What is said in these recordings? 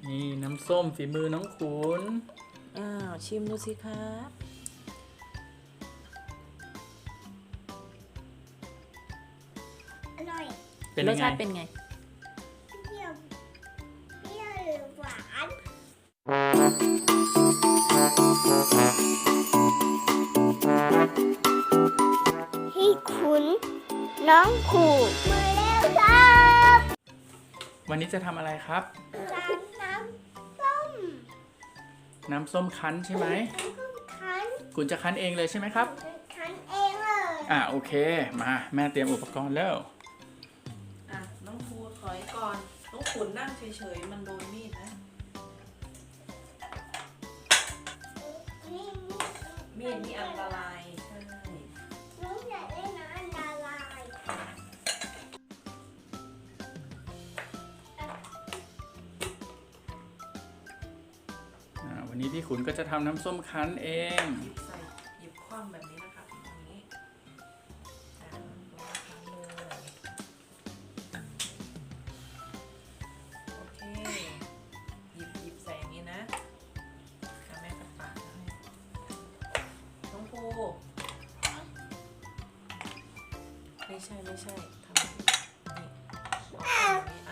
นี่น้ำส้มฝีมือน้องขุนชิมดูสิครับอร่อยเป็นรยัสงไงชาติเป็นไงเปรี้ยวหรือหวานพี่ขุนน้องขูดมาแล้วครับวันนี้จะทำอะไรครับร้านน้ำส้มน้ำส้มคั้นใช่ไหมน้ำส้มคั้นขุนจะคั้นเองเลยใช่ไหมครับคั้นเองเลยโอเคมาแม่เตรียมอุปกรณ์แล้วน้องภูถอยก่อน น้องขุนนั่งเฉยๆ มันโดนมีดนะนี่มีดมีอันตรายใช่น้องอยากได้น้ำอันตรายวันนี้พี่ขุนก็จะทำน้ำส้มคั้นเองใส่หยิบคว่ำแบบนี้นะครับอย่างนี้ลงเลยโอเค หยิบใส่อย่างนี้นะแม่กับปากให้น้องภูไม่ใช่ทำนี่อย่างนี้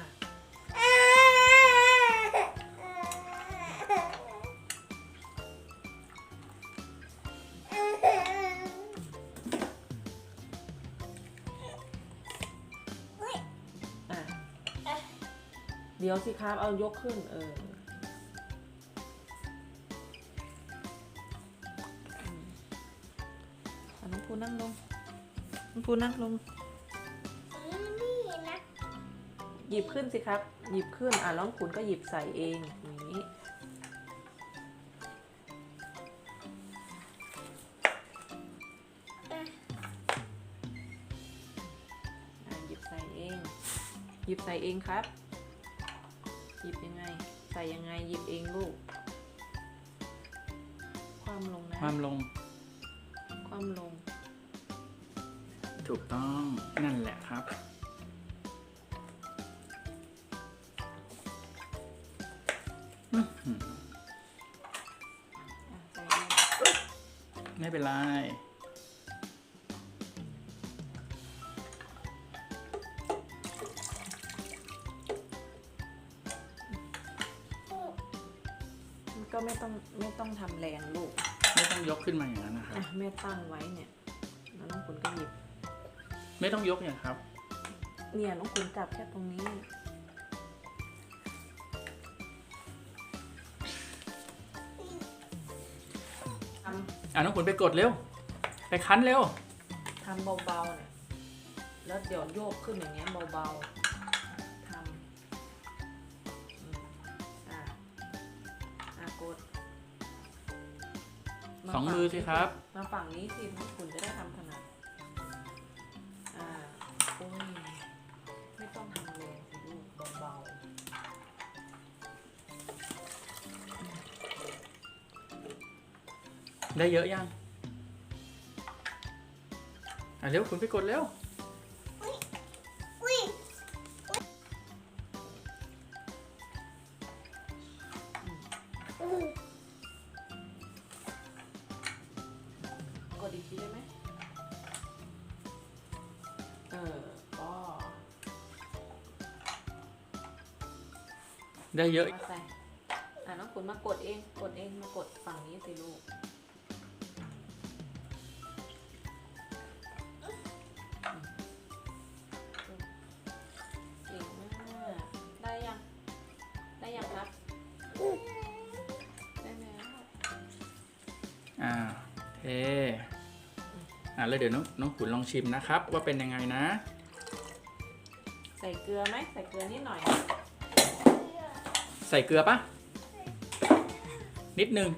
เดี๋ยวสิครับเอายกขึ้นน้องภูนั่งลงนี่นะหยิบขึ้นสิครับ หยิบขึ้นน้องขุนก็หยิบใส่เองอย่างนี้หยิบใส่เองครับหยิบยังไงใส่ยังไงหยิบเองลูกคว่ำลงนะความลงคว่ำลงถูกต้องนั่นแหละครับใส่เองไม่เป็นไรก็ไม่ต้องทำแรงลูกไม่ต้องยกขึ้นมาอย่างนั้นนะครับแม่ตั้งไว้เนี่ยแล้วน้องคุณก็หยิบไม่ต้องยกอย่างครับเนี่ยน้องคุณจับแค่ตรงนี้น้องขุนไปกดเร็วไปคั้นเร็วทำเบาๆเนี่ยแล้วเดี๋ยวโยกขึ้นอย่างเงี้ยเบาๆทำกดสองมือสิครับมาฝั่งนี้สิน้องคุณจะได้ทำถนัดโอ้ยไม่ต้องทำแรงสิลูกเบาๆได้เยอะยังเร็วขุนไปกดเร็วอุ้ยกดอีกทีได้ไหมก็ได้เยอะมาใส่น้องขุนมากดเองมากดฝั่งนี้สิลูกเก่งมากได้ยังครับได้แล้วเทแล้วเดี๋ยวน้องขุนลองชิมนะครับว่าเป็นยังไงนะใส่เกลือไหมใส่เกลือนิดหน่อยใส่เกลือปะนิดนึง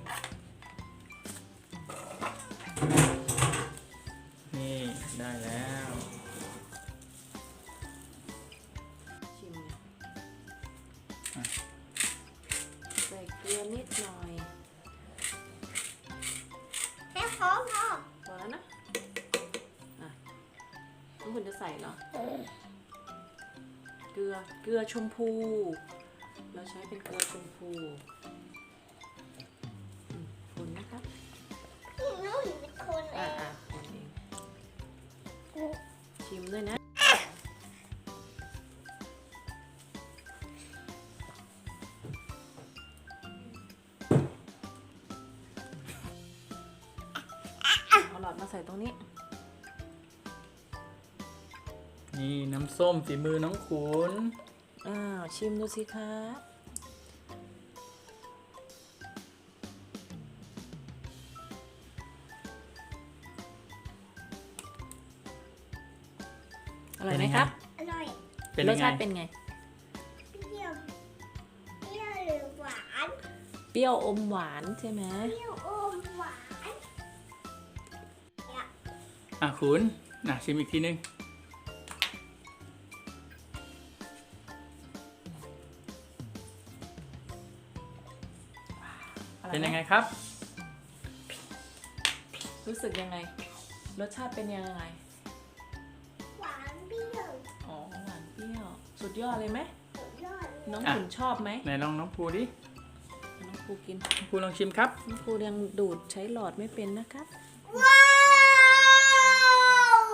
นี่ได้แล้วชิมเนี่ยใส่เกลือนิดหน่อยแค่พอพอแล้วนะน้องคุณจะใส่เหรอ เกลือชมพูเราใช้เป็นเกลือชมพูคนนะครับน้องเป็นคนเอคนเองงชิมด้วยนะเอาหลอดมาใส่ตรงนี้นี่น้ำส้มฝีมือน้องขุนชิมดูสิครับอร่อยไหมครับอร่อยเป็นรยัสงไงชาติเป็นไงเปรี้ยวเปรี้ยวหรือหวานเปรี้ยวอมหวานใช่ไหมเปรี้ยวอมหวานขุนชิมอีกทีนึง เป็นยังไงครับรู้สึกยังไง รสชาติเป็นยังไงหวานเปรี้ยวอ๋อ หวานเปรี้ยว สุดยอดเลยไหมสุดยอดเลยน้องอ่ะขุนชอบไหมไหนลองน้องภูดิน้องภูกินน้องภูลองชิมครับน้องภูยังดูดใช้หลอดไม่เป็นนะครับว้าว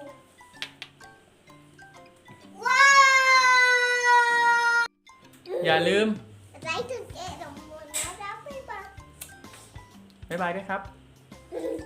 ว้าวอย่าลืมไลค์ถึงเอ็ดของมูลนะรับไปบ้างบ๊ายบายด้วยครับ